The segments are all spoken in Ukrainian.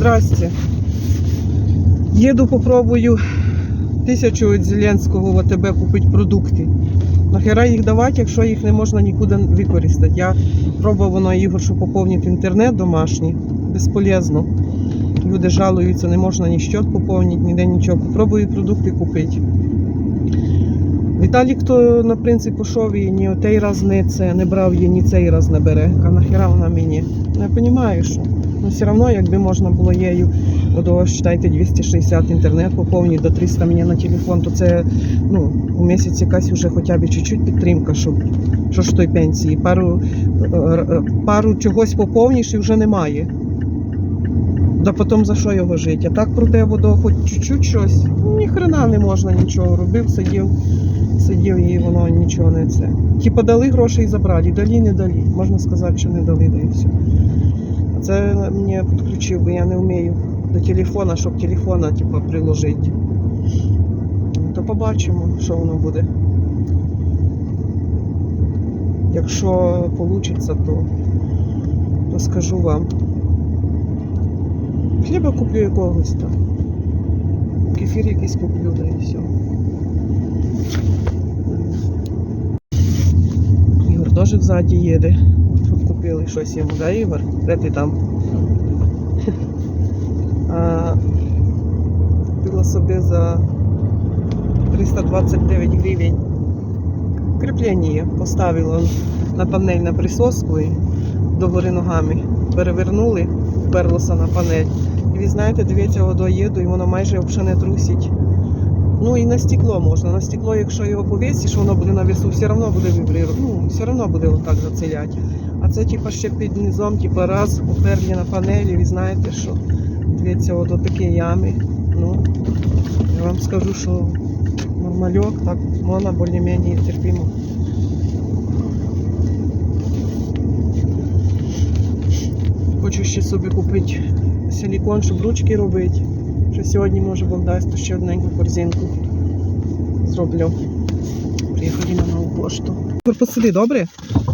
Здрасте. Їду, попробую 1000 від Зеленського в АТБ купити продукти. Нахера їх давати, якщо їх не можна нікуди використати? Я пробував на Ігор, щоб поповнити інтернет домашній. Безполезно. Люди жалуються, не можна ні счет поповнити, ніде нічого. Попробую продукти купити. Віталік, то на принцип пішов і ні той раз не брав її, ні цей раз не бере. А нахера вона мені? Не розумію, що. Ну, все одно, якби можна було її, до, вважайте, 260 інтернет поповнити, до 300 мені на телефон, то це, ну, у місяць якась вже хоча б чуть-чуть підтримка, щоб, що ж той пенсії. Пару чогось поповніш і вже немає. Да потім за що його жити? А так проте водо хоч чуть-чуть щось, ну, ні хрена не можна нічого. Робив, сидів і воно нічого не це. Типа дали гроші і забрали, дали, не дали. Можна сказати, що не дали, да і все. Це мені підключив, бо я не вмію до телефона, щоб телефона типу, приложити. То побачимо, що воно буде. Якщо вийде, то скажу вам. Хліба куплю якогось там. Кефір якийсь куплю, да і все. Ігор теж взаді їде. Щоб купили щось йому, да, Ігор? Де ти там? Купила собі за 329 гривень кріплення. Поставила на панель на присоску і догори ногами. Перевернули, вперлося на панель. І ви знаєте, дивіться, водою їду, і воно майже взагалі не трусить. Ну і на стекло можна. На стекло, якщо його повісиш, воно буде на весу, все одно буде вібрувати. Ну, все одно буде отак зацеляти. А це типа ще під низом, типа раз уперли на панелі, ви знаєте, що дивіться, от такі ями. Ну, я вам скажу, що нормальок, так, можна більш-менш терпимо. Хочу ще собі купити силікон, щоб ручки робити. Що сьогодні, може, Бог дасть, то ще одненьку корзинку зроблю. Приїхали на нову пошту. Посиди, добре?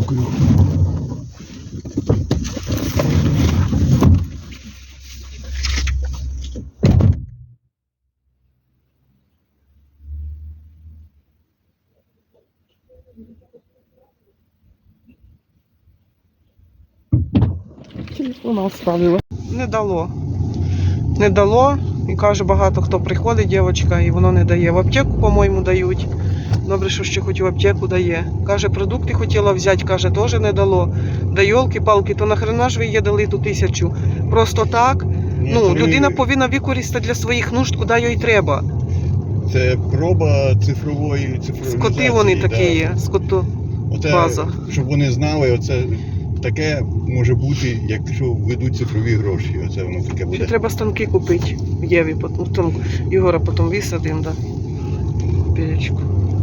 Телефон оставила. Не дало. Не дало. І каже, багато хто приходить, дівчинка, і воно не дає. В аптеку, по-моєму, дають. Добре, що ще хоч в аптеку дає. Каже, продукти хотіла взяти, каже, теж не дало. Да йолки-палки, то нахрена ж ви їй дали ту 1000? Просто так? Ну, людина повинна використати для своїх нужд, куди їй треба. Це проба цифрової Скоти вони такі є, скотобаза. Щоб вони знали, оце таке може бути, якщо введуть цифрові гроші. Оце воно таке буде. Ще треба станки купити в Єві, Ігора потім висадимо, да. Пірячку.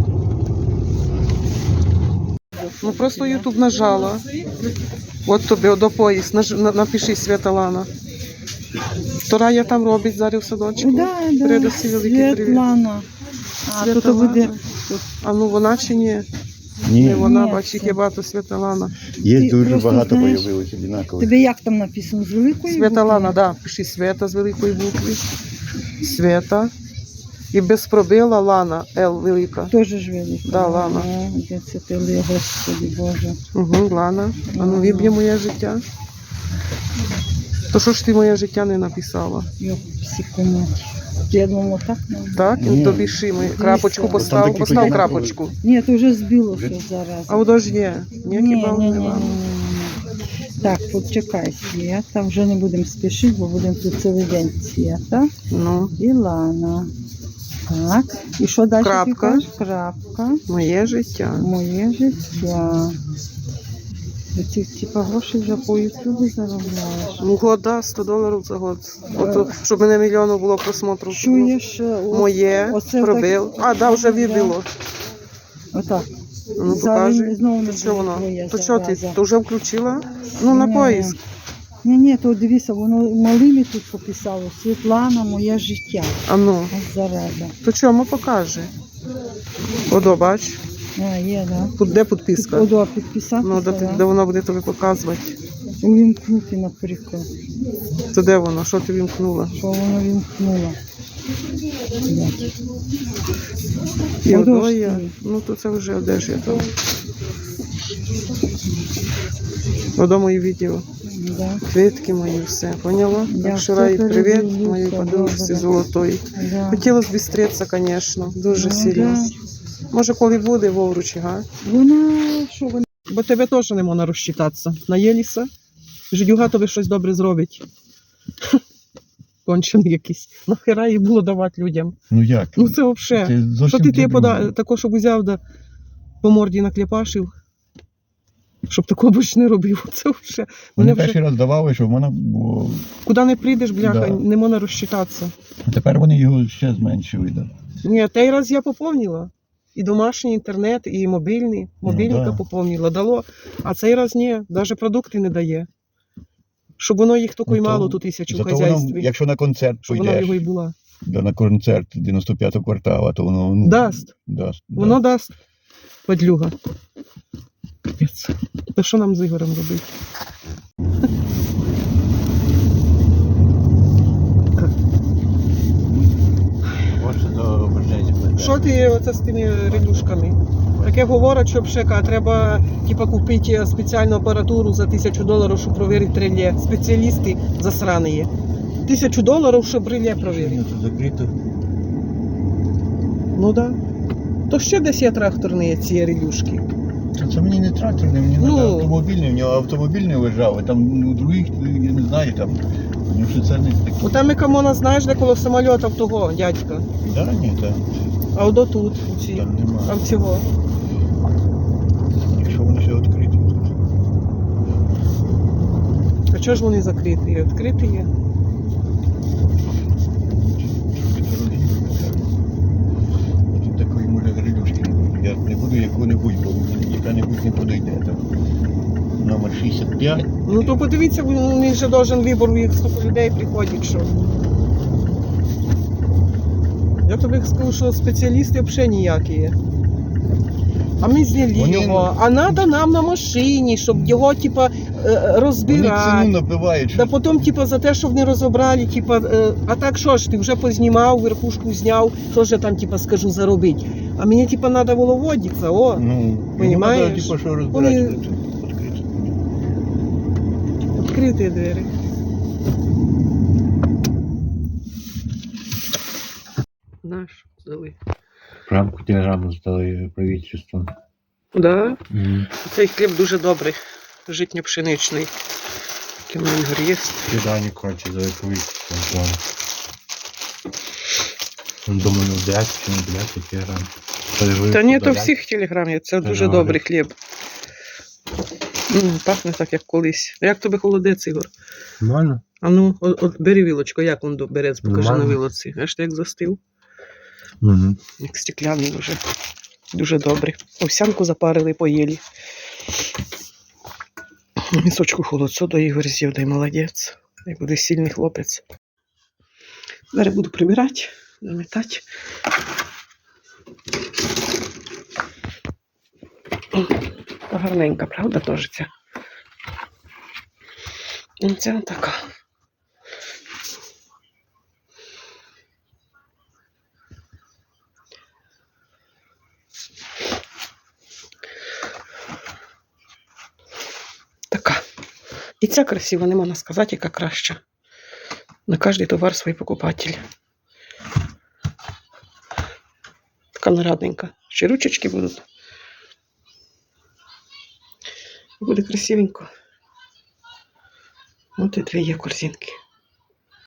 Ну просто YouTube нажала. От тобі, до поїзд, напиши Світлана. Вторая там робить зараз в садочку. Да, Передусі великий привіт. Світлана. А тут буде. А ну вона чи ні? Ні. Не вона, Ні, бачить, це- є багато Світлана. Є Ти дуже просто багато знаєш, появилось однакових. Тебе як там написано? З великої Світлана, букви? да, пиши Света з великої букви. Света. І без пробіла Лана, Л велика. Тоже ж велика. Да, Лана. Де це ти, Господи Боже. Угу, Лана. А ну виб'є моє життя. То що ж ти моє життя не написала? Йоп, психомать. Я думала, так? Так? Ні. І тобі шими. Крапочку постав, такі постав подібні крапочку. Ні, то вже збилося зараз. А воно ж є. Ніякі бал ні. нема. Так, почекай, Свята. Вже не будемо спішити, бо будемо тут цілий день. Свята. Ну, І Лана. Так. І що далі? Крапка. ти кажеш? Крапка. моє життя. Моє життя. Ти типа гроші вже по ютубу заробляєш. Ну, год, да, $100 за год. От, щоб мене мільйону було просмотрів. Чуєш? Моє, оце пробив. так- А, да, вже вибило. Отак. Ну, Зараз покажи. знову не То що воно? твоє То що ти? зараза. То вже включила? Ну, на Ні. поїзд. Ні, то дивися, воно малими тут пописало. Світлана, моє життя. А ну, Ось зараза. то чому покаже? Одо, бач. А, є, да. Де підписка? Одо підписати. Ну, де воно буде тобі показувати. Увімкнути, наприклад. То де воно? Що ти вімкнула? Що воно вімкнуло? Блядь. І Подошки. одоя. Ну то це вже одежа там. Одо мої відео. Да. Квітки мої, все. Поняла? Я Так що Раї, все привіт, передивлюся, моїй подружці добре. золотої. Да. Хотілося б зустрітися, звісно, дуже Ну, сильно. да. Може, коли буде вовручі, га? Вона, що вона? Бо тебе теж не можна розчитатися. Наєліся? Жидюга тобі щось добре зробить. Кончений якийсь. Нахера їй було давати людям? Ну як? Ну це взагалі. Це Що зовсім ти дебільно. тако, щоб узяв да по морді наклепашив, щоб такого більше не робив. Це взагалі. Вони Мене вже перший раз давали, щоб вона було. куди не прийдеш, бляха, Да. не можна розчитатися. А тепер вони його ще зменшили. Да. Ні, той раз я поповнила. І домашній інтернет, і мобільний. Мобільника да. поповнила, дало. А цей раз ні, навіть продукти не дає. Щоб воно їх тільки й Ну, то мало тут 1000 в Зато хазяйстві. воно, якщо на концерт Щоб вона пойдеш, його і була. на концерт 95-го квартала, то воно ну, Дасть. дасть. Воно дасть. Подлюга. Капець. Та що нам з Ігорем робити? Може до ображення. Що ти оце з тими релюшками? Таке говорять, що пшека, треба типа, купити спеціальну апаратуру за $1000, щоб провірити реле. Спеціалісти засрані є. $1000, щоб реле провірити. Тут закрито. Ну так. Да. То ще десь є тракторні ці релюшки. Це мені не тракторний, мені Ну. треба автомобільний, в нього автомобільний лежав, а там у других, я не знаю, там, ну що це не таке. О, там і камона, знаєш, де коло самольотів того, дядька. Да, ні, там, А от тут, у ці, там нема. там цього. Якщо вони ще відкриті, то А чого ж вони закриті? Відкриті є. дорогі. Тут такої може грилюшки не буде. Я не буду яку-небудь, бо мені яка-небудь не подойде. Там номер 65. Ну то подивіться, він же должен вибор, у їх стільки людей приходить, що. Я тобі скажу, що спеціалісти взагалі ніякі є. А ми зняли Вони- його, а треба нам на машині, щоб його, типа, Вони ціну розбирати. набивають. Да що потім, типа, за те, щоб не розібрали, типа, а так що ж, ти вже познімав, верхушку зняв, що ж я там, типа, скажу, заробити. А мені, типа, треба було водитися, о, Ну, Понімаєш? йому треба, типу, що розбирати. Вони- відкриті двері. Наш здали. Рамку телеграму здали правительству. Да? Цей хліб дуже добрий, житньо-пшеничний. Який в мене є. Кидані коротше здали правительству. Думаю, 10 чи не 10 телеграм. Та ні, то всіх телеграмів, це Та дуже ну, добрий хліб. Пахне так, як колись. Як тобі холодець, Ігор? Нормально? А ну, от бери вілочку, як він берець, покажи на Нормально. вілоці. Аж ти як застив, Угу. як стекляний вже. Дуже добрий. Овсянку запарили, поїли. Місочку холодцю до Ігор з'їв, дай молодець. Дай буде сильний хлопець. Зараз буду прибирати, замітати. Гарненька, правда, теж ця? І ця така. Така. І ця красива, не можна сказати, яка краща. На кожний товар свій покупатель. Така нарадненька. Ще ручечки будуть. Буде красивенько. От і дві є корзинки.